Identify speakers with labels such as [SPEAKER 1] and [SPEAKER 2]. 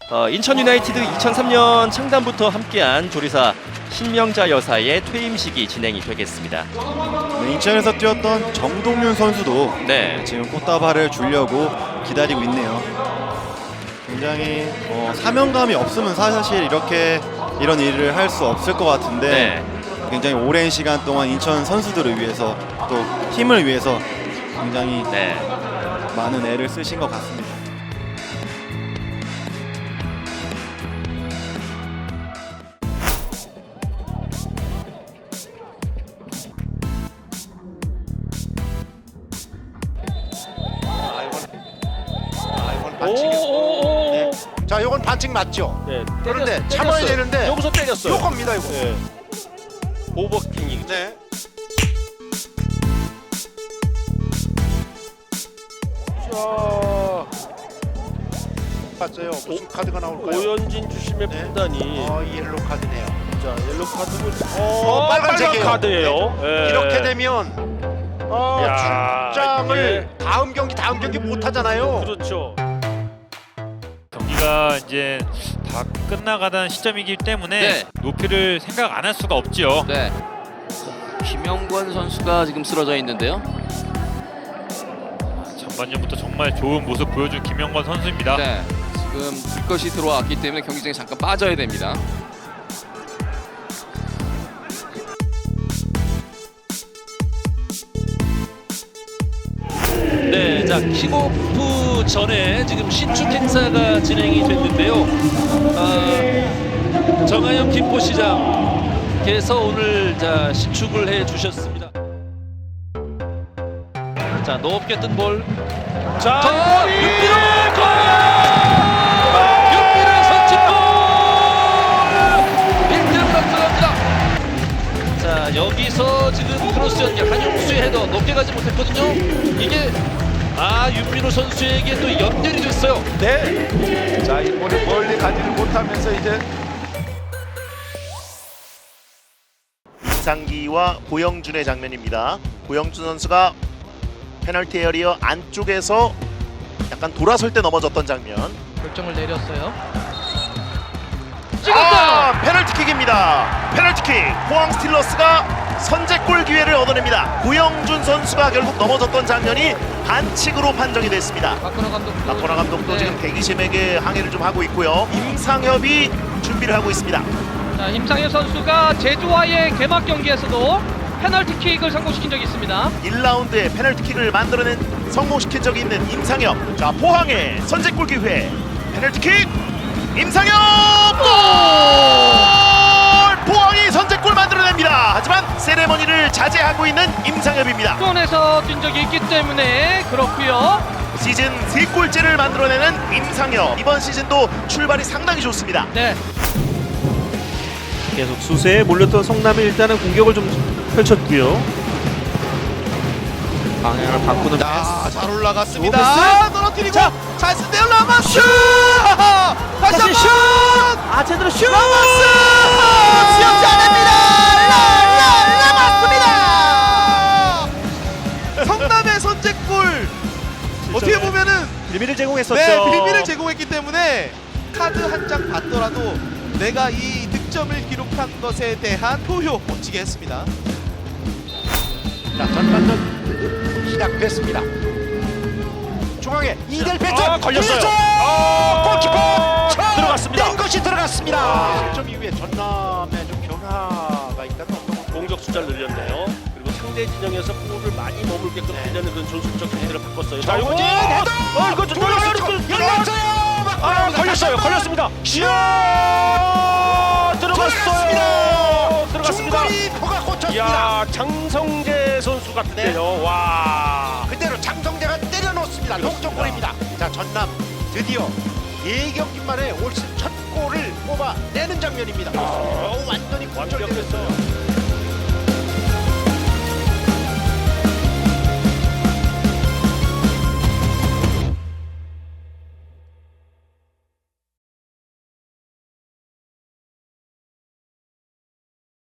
[SPEAKER 1] 인천 유나이티드 2003년 창단부터 함께한 조리사 신명자 여사의 퇴임식이 진행이 되겠습니다.
[SPEAKER 2] 네, 인천에서 뛰었던 정동윤 선수도
[SPEAKER 1] 네.
[SPEAKER 2] 지금 꽃다발을 주려고 기다리고 있네요. 굉장히 사명감이 없으면 사실 이런 일을 할 수 없을 것 같은데
[SPEAKER 1] 네.
[SPEAKER 2] 굉장히 오랜 시간 동안 인천 선수들을 위해서 또 팀을 위해서 굉장히
[SPEAKER 1] 네.
[SPEAKER 2] 많은 애를 쓰신 것 같습니다.
[SPEAKER 3] 이건 반칙이고. 네. 자, 이건 반칙 맞죠?
[SPEAKER 4] 네,
[SPEAKER 3] 그런데 참아야 되는데
[SPEAKER 4] 여기서 때렸어요.
[SPEAKER 3] 요겁니다, 이거.
[SPEAKER 4] 네. 오버킹이.
[SPEAKER 3] 네.
[SPEAKER 4] 자,
[SPEAKER 3] 봤어요. 무슨 카드가 나올까요?
[SPEAKER 4] 오연진 주심의
[SPEAKER 3] 네.
[SPEAKER 4] 판단이.
[SPEAKER 3] 옐로 카드네요.
[SPEAKER 4] 자, 옐로 카드고.
[SPEAKER 3] 빨간색이에요.
[SPEAKER 4] 빨간 카드예요. 네.
[SPEAKER 3] 이렇게 되면
[SPEAKER 4] 야,
[SPEAKER 3] 출장을 다음 경기 못 하잖아요.
[SPEAKER 4] 그렇죠.
[SPEAKER 5] 경기가 이제 다 끝나가던 시점이기 때문에
[SPEAKER 6] 네.
[SPEAKER 5] 높이를 생각 안 할 수가 없죠.
[SPEAKER 6] 네. 김영권 선수가 지금 쓰러져 있는데요.
[SPEAKER 5] 전반전부터 정말 좋은 모습 보여준 김영권 선수입니다.
[SPEAKER 6] 네. 지금 불것이 들어왔기 때문에 경기장에 잠깐 빠져야 됩니다.
[SPEAKER 7] 네, 자 킥오프 전에 지금 신축 행사가 진행이 됐는데요. 정하영 김포시장께서 오늘 신축을 해주셨습니다. 자 높게 뜬 볼. 자 윤비로 윤비로 선취골 1대0으로 들어갑니다. 자 여기서 지금 크로스 연결 한용수의 헤더 높게 가지 못했거든요. 이게 윤민호 선수에게 또 연결이 됐어요.
[SPEAKER 3] 네. 자, 이번에 멀리 가지를 못하면서 이제
[SPEAKER 8] 이상기와 고영준의 장면입니다. 고영준 선수가 페널티 에어리어 안쪽에서 약간 돌아설 때 넘어졌던 장면.
[SPEAKER 9] 결정을 내렸어요.
[SPEAKER 8] 페널티킥입니다. 페널티킥. 포항 스틸러스가 선제골 기회를 얻어냅니다. 고영준 선수가 결국 넘어졌던 장면이 반칙으로 판정이 됐습니다. 박건하 감독도 지금 대기심에게 항의를 좀 하고 있고요. 임상협이 준비를 하고 있습니다.
[SPEAKER 9] 자, 임상엽 선수가 제주와의 개막 경기에서도 페널티킥을 성공시킨 적이 있습니다.
[SPEAKER 8] 1라운드에 페널티킥을 성공시킨 적이 있는 임상혁. 자, 포항의 선제골 기회. 페널티킥. 임상혁 골! 포항이 선제골 만들어냅니다. 하지만 세레머니를 자제하고 있는 임상혁입니다.
[SPEAKER 9] 수원에서 뛴 적이 있기 때문에 그렇고요.
[SPEAKER 8] 시즌 3골째를 만들어내는 임상혁. 이번 시즌도 출발이 상당히 좋습니다.
[SPEAKER 9] 네.
[SPEAKER 4] 계속 수세에 몰렸던 성남이 일단은 공격을 좀 펼쳤고요. 방향을 바꾸는.
[SPEAKER 3] 잘 올라갔습니다. 떨어뜨리고 찬스인데요. 라마스! 다시 한번 슛!
[SPEAKER 4] 제대로 슛!
[SPEAKER 3] 라마스! 수영지 않습니다. 라마스입니다. 성남의 선제골. 어떻게 보면은
[SPEAKER 4] 빌미를 제공했었죠.
[SPEAKER 3] 네, 빌미를 제공했기 때문에 카드 한 장 받더라도 내가 이 득점을 기록한 것에 대한 표효 멋지게 했습니다. 자, 전반전 시작됐습니다. 중앙에 이델 패턴
[SPEAKER 4] 걸렸어요.
[SPEAKER 3] 골키퍼
[SPEAKER 4] 들어갔습니다.
[SPEAKER 3] 낸 것이 들어갔습니다. 실점 이후에 전남에 좀 변화가 있다면 어떤
[SPEAKER 4] 공격 숫자를 늘렸네요. 그리고 상대 진영에서 볼을 많이 머물게끔 하려는 그런 전술적 행태를 바꿨어요. 자, 이거 이거 좀
[SPEAKER 3] 열렸어요.
[SPEAKER 4] 걸렸습니다. 슛! 들어갔어요. 들어갔습니다.
[SPEAKER 3] 중거리포가 꽂혔습니다.
[SPEAKER 4] 야, 장성재 선수 같은데요. 와.
[SPEAKER 3] 그대로 장성재가 때려놓습니다. 동점골입니다. 자, 전남 드디어 4경기 만에 올 시즌 첫 골을 뽑아내는 장면입니다. 완전히
[SPEAKER 4] 완벽했어요.